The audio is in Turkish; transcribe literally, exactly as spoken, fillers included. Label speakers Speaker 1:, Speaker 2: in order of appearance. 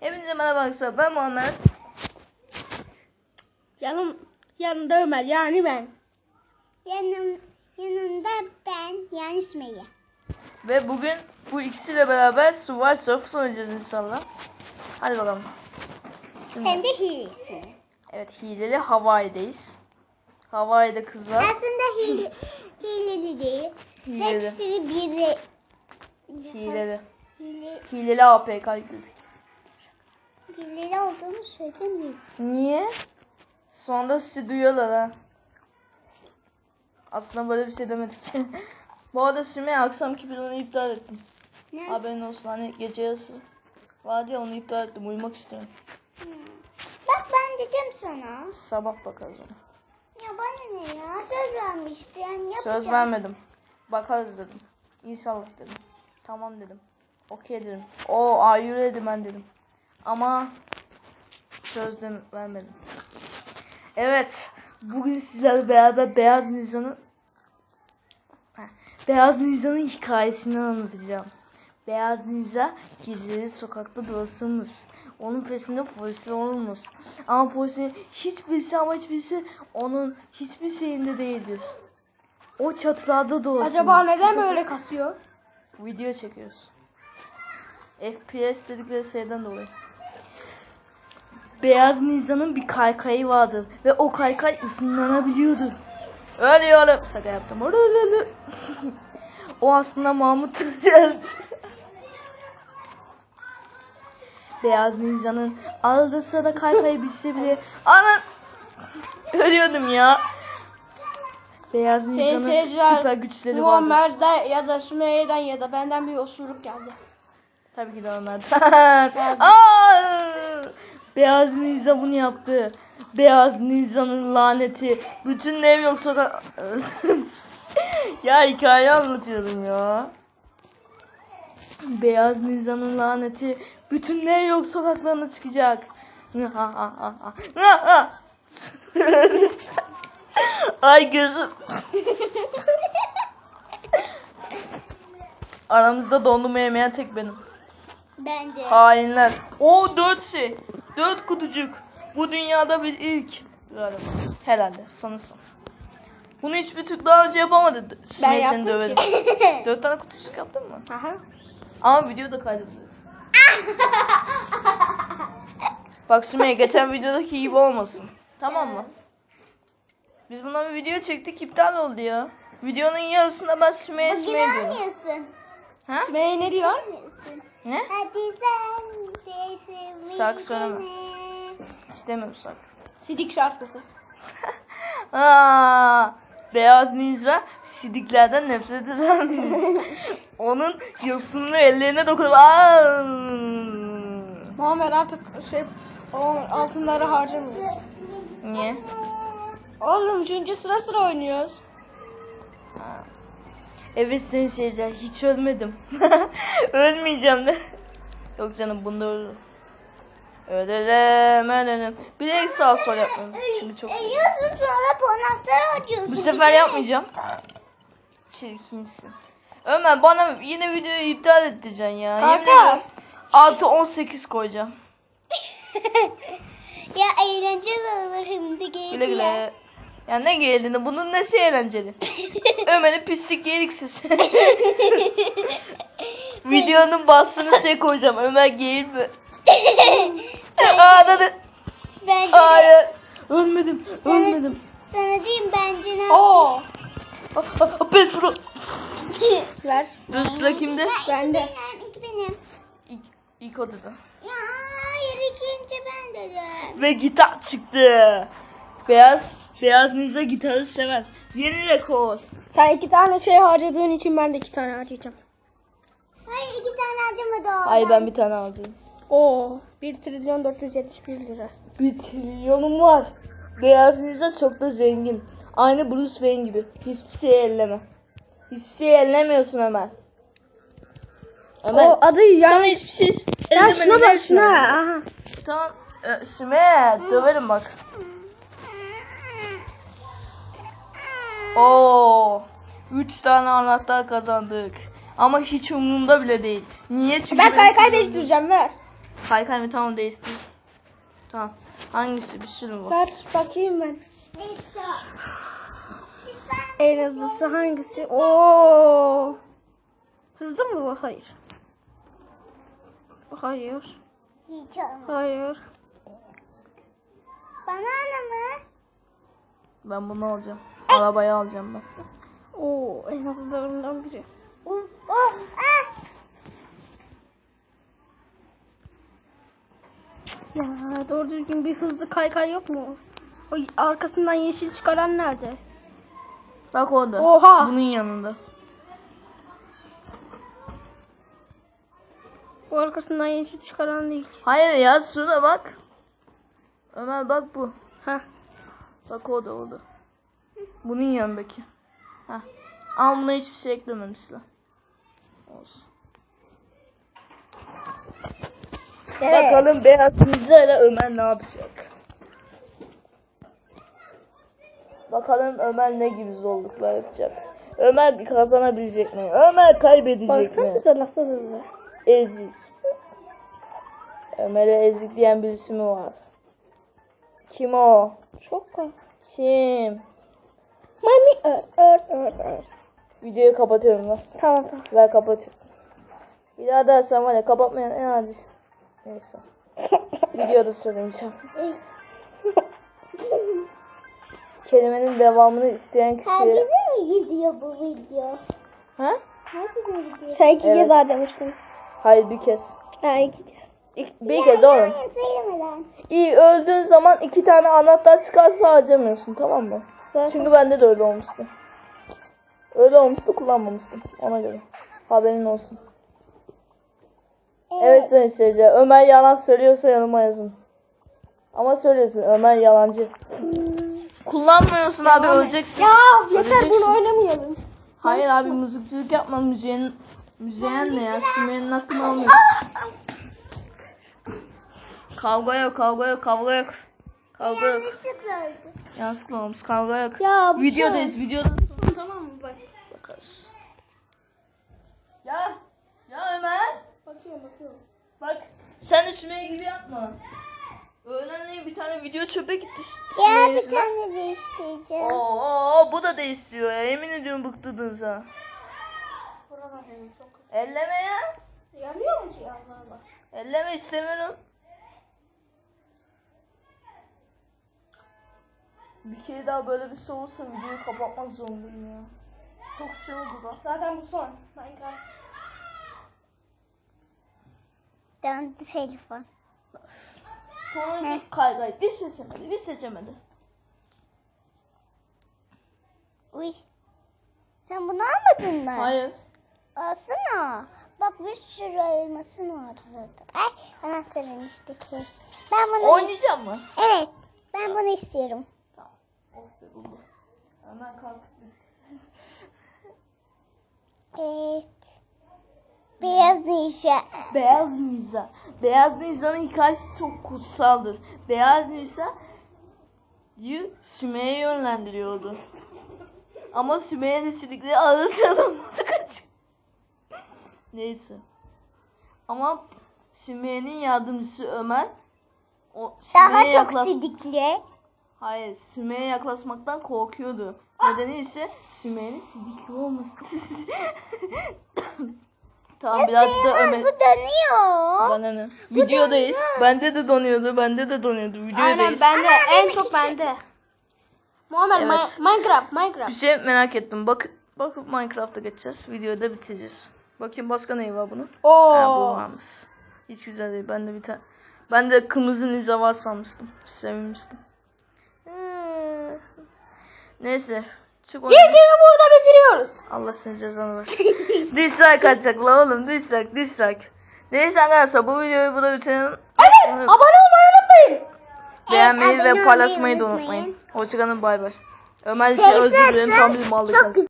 Speaker 1: Hepinize merhaba arkadaşlar, ben Muhammed.
Speaker 2: Yanım, yanında Ömer, yani ben.
Speaker 3: Yanım, yanında ben, yani Sümeyye.
Speaker 1: Ve bugün bu ikisiyle beraber Survival Surfers oynayacağız inşallah. Hadi bakalım. Şimdi,
Speaker 3: Hem de hilesi.
Speaker 1: evet, hileli Hawaii'deyiz. Hawaii'de kızlar.
Speaker 3: Aslında hile, hileli değil.
Speaker 1: Hileli.
Speaker 3: Hepsini biri.
Speaker 1: Hileli.
Speaker 3: Hile,
Speaker 1: Hileli A P K yükledik.
Speaker 3: hileli olduğunu söylemiyorum.
Speaker 1: Niye? Sonunda sizi duyuyorlar ha. Aslında böyle bir şey demedik. Bu arada Sümeyye akşamki planı iptal ettim.
Speaker 3: Ne?
Speaker 1: Haberin olsun, hani gece yarısı vardı ya, onu iptal ettim. Uyumak istiyorum.
Speaker 3: Hmm. Bak ben dedim sana.
Speaker 1: Sabah bakarız ona.
Speaker 3: Ya bana ne ya? Söz vermişti yani yapacağım.
Speaker 1: Söz vermedim. Bakarız dedim. İnşallah dedim. Tamam dedim. Okey dedim. O ayürü dedim ben dedim. Ama söz de vermedim. Evet. Bugün sizlerle beraber Beyaz Ninja'nın Heh, Beyaz Ninja'nın hikayesini anlatacağım. Beyaz Ninja gizli sokakta dolaşırmış. Onun peşinde polisler olmuş. Ama polisin hiçbirisi ama hiçbirisi onun hiçbir şeyinde değildir. O çatılarda dolaşırmış.
Speaker 2: Acaba neden böyle kasıyor?
Speaker 1: Video çekiyoruz. F P S dedikleri şeyden dolayı. Beyaz Ninja'nın bir kaykayı vardır ve o kaykay ısınlanabiliyordur. Öyle öyle. Şaka yaptım. Öyle öyle. O aslında Mahmut geldi. Beyaz Ninja'nın arada sırada kaykayı bilse bile anan ölüyordum ya. Beyaz Ninja'nın
Speaker 2: seyirciler,
Speaker 1: süper güçleri vardır.
Speaker 2: Muhammed'den ya da Sümeyye'den ya da benden bir osuruk geldi.
Speaker 1: Tabii ki de onlardan. Aa! Beyaz Ninja bunu yaptı. Beyaz Ninja'nın laneti. Bütün ev yok sokak. Ya hikaye anlatıyorum ya. Beyaz Ninja'nın laneti. Bütün ev yok sokaklarına çıkacak. Ay gözüm. Aramızda dondurma yemeyen tek benim.
Speaker 3: Ben de.
Speaker 1: Hainler. O dört şey. Dört kutucuk. Bu dünyada bir ilk. Galiba. Herhalde sanırsam. Bunu hiçbir Türk daha önce yapamadı. Sümeyye seni
Speaker 2: yaptım
Speaker 1: döverim. Dört tane kutucuk yaptın mı?
Speaker 2: Aha.
Speaker 1: Ama video da kaydediyor. Bak Sümeyye geçen videodaki gibi olmasın. Tamam mı? Biz bundan bir video çektik, iptal oldu ya. Videonun yarısında ben Sümeyye
Speaker 3: Bugün
Speaker 1: Sümeyye diyorum.
Speaker 3: oynuyorsun.
Speaker 1: Ha?
Speaker 2: Sümeyye ne diyor?
Speaker 1: Ne?
Speaker 3: Hadi sen de sevmeyi
Speaker 1: Şarkı söyleme.
Speaker 3: dene.
Speaker 1: İstemiyorum şarkı.
Speaker 2: Sidik şarkısı.
Speaker 1: Aa, Beyaz Ninja sidiklerden nefret edermiş. Onun yosunlu ellerine dokunup aa!
Speaker 2: Muhammed artık şey o altınları harcamıyoruz.
Speaker 1: Niye?
Speaker 2: Oğlum çünkü sıra sıra oynuyoruz.
Speaker 1: Ha. Evet seni seveceğim. Hiç ölmedim. Ölmeyeceğim de. Yok canım bunda ölürüm. Ölelim ölelim. Bir de sağ sol yapmıyorum. Çünkü çok iyi.
Speaker 3: Ölüyorsun sonra panakları harcıyorsun.
Speaker 1: Bu sefer yapmayacağım. Çirkinsin. Ömer bana yine videoyu iptal edeceksin ya. Yemin
Speaker 2: Kanka.
Speaker 1: ederim. altı on sekiz koyacağım.
Speaker 3: Ya eğlenceli olur hem de geyik
Speaker 1: Güle güle.
Speaker 3: ya.
Speaker 1: Ya ne geldiğini bunun nesi eğlenceli? Ömer'in pislik yerik sesi. Videonun bastığını şey koyacağım. Ömer geğirme. Aa dedi.
Speaker 3: Bence de.
Speaker 1: Hayır. Ölmedim. Ölmedim.
Speaker 3: Sana diyeyim bence ne
Speaker 2: Oo.
Speaker 1: Pes bro.
Speaker 2: Ver.
Speaker 1: Dur sıra kimde?
Speaker 2: Bende.
Speaker 3: benim, ilk benim.
Speaker 1: İlk, ilk o dedi.
Speaker 3: Ya hayır ikinci ben dedim.
Speaker 1: Ve gitar çıktı. Beyaz. Beyaz Ninja gitarı sever. Yeni rekor.
Speaker 2: Sen iki tane şey harcadığın için ben de iki tane harcayacağım.
Speaker 3: Hayır iki tane harcamadı o.
Speaker 1: Hayır ben bir tane alacağım.
Speaker 2: Oo. bir trilyon dört yüz yetmiş bir lira.
Speaker 1: Bir trilyonum var. Beyaz Ninja çok da zengin. Aynı Bruce Wayne gibi. Hiçbir şeyi elleme. Hiçbir şeyi ellemiyorsun Ömer. Ömer.
Speaker 2: O adı
Speaker 1: Sana
Speaker 2: yani.
Speaker 1: hiçbir şey
Speaker 2: Sen
Speaker 1: ellemeni
Speaker 2: şuna bak
Speaker 1: dersin
Speaker 2: şuna.
Speaker 1: Ömer.
Speaker 2: Aha.
Speaker 1: Tamam. Ee, Sümeyye döverim bak. Oo. Üç tane anahtar kazandık. Ama hiç umurumda bile değil. Niye? Çünkü
Speaker 2: Ben
Speaker 1: benim
Speaker 2: kaykay
Speaker 1: trilyonum-
Speaker 2: değiştireceğim ver.
Speaker 1: Kaykay mı? Tamam değiştir. Tamam. Hangisi? Bir sürü mü var?
Speaker 2: Ver bakayım ben.
Speaker 3: Neyse.
Speaker 2: En hızlısı hangisi? Oo. Hızlı mı bu? Hayır. Hayır.
Speaker 3: Hiç olmaz.
Speaker 2: Hayır.
Speaker 3: Banana mı?
Speaker 1: Ben bunu alacağım. Arabayı alacağım ben.
Speaker 2: Oo, en hızlılarından biri.
Speaker 3: Oh, oh, ah.
Speaker 2: Ya doğru düzgün bir hızlı kaykay yok mu? O arkasından yeşil çıkaran nerede?
Speaker 1: Bak orada.
Speaker 2: Oha!
Speaker 1: Bunun yanında.
Speaker 2: O arkasından yeşil çıkaran değil.
Speaker 1: Hayır ya şurada bak. Ömer bak bu.
Speaker 2: Heh.
Speaker 1: Bak o da orada. Bunun yanındaki. Heh. Ama buna hiçbir şey eklememişler. Olsun. Bakalım beyaz ninja ile Ömer ne yapacak? Bakalım Ömer ne gibi zorluklar yapacak? Ömer kazanabilecek mi? Ömer kaybedecek mi?
Speaker 2: Baksanıza nasıl hızlı.
Speaker 1: Ezik. Ömer'e ezik diyen birisi mi var? Kim o?
Speaker 2: Çok kolay.
Speaker 1: Kim?
Speaker 2: Mami örs örs örs örs.
Speaker 1: Videoyu kapatıyorum ben.
Speaker 2: Tamam tamam.
Speaker 1: Ver kapatıyorum. Bir daha dersen var ya kapatmayan en acısı. Neyse. Videoda söylemeyeceğim. Kelimenin devamını isteyen kişiye...
Speaker 3: Herkese mi gidiyor bu video?
Speaker 1: Ha?
Speaker 3: Herkese mi gidiyor?
Speaker 2: Sen iki
Speaker 1: Evet.
Speaker 2: kez harcamıştın.
Speaker 1: Hayır bir kez.
Speaker 2: Ha iki kez.
Speaker 1: İk- bir kez oğlum.
Speaker 3: Hayır, söylemeden.
Speaker 1: İyi öldüğün zaman iki tane anahtar çıkarsa harcamıyorsun tamam mı?
Speaker 2: Zaten.
Speaker 1: Çünkü bende de öyle olmuştu. Öyle olmuştu kullanmamıştım ona göre. Haberin olsun. Evet sayın seyirciler. Ömer yalan söylüyorsa yanıma yazın. Ama söylesin Ömer yalancı. Kullanmıyorsun abi öleceksin.
Speaker 2: Ya yeter
Speaker 1: Öleceksin.
Speaker 2: bunu oynamayalım.
Speaker 1: Hayır abi mızıkçılık yapma müziğin. Müziğin ne ya? Sümeyye'nin hakkını almıyor. Kavga yok kavga yok kavga yok. Kavga yok.
Speaker 3: Yanlışlıkla öldü.
Speaker 1: Yanlışlıkla olmuş kavga yok.
Speaker 2: Ya bu
Speaker 1: Videodayız videoda.
Speaker 2: Tamam mı bak.
Speaker 1: Bakarız. Ya. Ya Ömer.
Speaker 2: Bakıyorum bakıyorum.
Speaker 1: Bak sen de Sümeyye gibi yapma. Öğlenleyin bir tane video çöpe gitti.
Speaker 3: Ya
Speaker 1: Sümeyye
Speaker 3: bir
Speaker 1: yüzünden.
Speaker 3: tane değiştireceğim.
Speaker 1: Oo bu da değiştiriyor ya. Yemin ediyorum bıktırdınız ha.
Speaker 2: Buralar benim çok kötü.
Speaker 1: Elleme ya.
Speaker 2: Yanıyor mu ki Allah Allah?
Speaker 1: Elleme istemiyorum. Bir kere daha böyle bir şey olursa videoyu kapatmak zorundayım ya. Çok şey oldu da.
Speaker 2: Zaten bu son. Minecraft.
Speaker 3: Döndü telefon.
Speaker 1: Sonuncu kaygay. Bir seçemedi, bir seçemedi.
Speaker 3: Uy. Sen bunu almadın mı?
Speaker 1: Hayır.
Speaker 3: Alsana. Bak bir sürü elmasın var zaten. Ay anahtarın işte ki. Ben bunu
Speaker 1: Oynayacağım mı?
Speaker 3: Evet. Ben bunu istiyorum.
Speaker 1: Tamam. Oh be buldu. Hemen kalk.
Speaker 3: Evet. Beyaz ninja.
Speaker 1: Beyaz Nisa. Beyaz Nisa'nın hikayesi çok kutsaldır. Beyaz Nisa'yı Sümeyye yönlendiriyordu. Ama Sümeyye de silikleri arasında kaç. Neyse. Ama Sümeyye'nin yardımcısı Ömer o
Speaker 3: Daha
Speaker 1: Sümeyye'ye
Speaker 3: çok
Speaker 1: yaklaş-
Speaker 3: sidikli.
Speaker 1: Hayır, Sümeyye'ye yaklaşmaktan korkuyordu. Nedeni ise Sümeyye'nin sidikli olması. Tamam birazcık da Ömer.
Speaker 3: Bu dönüyor.
Speaker 1: Bana ne? Videodayız. Bende de donuyordu. Bende de donuyordu. Videodayız.
Speaker 2: Aynen bende. En çok bende. Muhammed
Speaker 1: Evet.
Speaker 2: Ma- Minecraft
Speaker 1: Bir
Speaker 2: Minecraft.
Speaker 1: şey merak ettim. Bak, bakıp Minecraft'a geçeceğiz. Videoyu da bitireceğiz. Bakayım başka neyi var bunun?
Speaker 2: Oo.
Speaker 1: Ha, bu varmış. Hiç güzel değil. Ben de bir tane. Ben de kırmızı ninja var sanmıştım. Sevinmiştim. Ee, Neyse. Çık oyuna.
Speaker 2: Videoyu burada bitiriyoruz.
Speaker 1: Allah seni cezanı versin. Dislike atacak la oğlum. Dislike, dislike. Neyse arkadaşlar bu videoyu burada bitirelim.
Speaker 2: Evet. Abone olmayı unutmayın.
Speaker 1: Beğenmeyi
Speaker 3: Evet,
Speaker 1: ve
Speaker 3: abone
Speaker 1: paylaşmayı da
Speaker 3: olmayı
Speaker 1: unutmayın.
Speaker 3: unutmayın.
Speaker 1: Hoşçakalın bay bay. Ömer için özür dilerim tam bir mallık.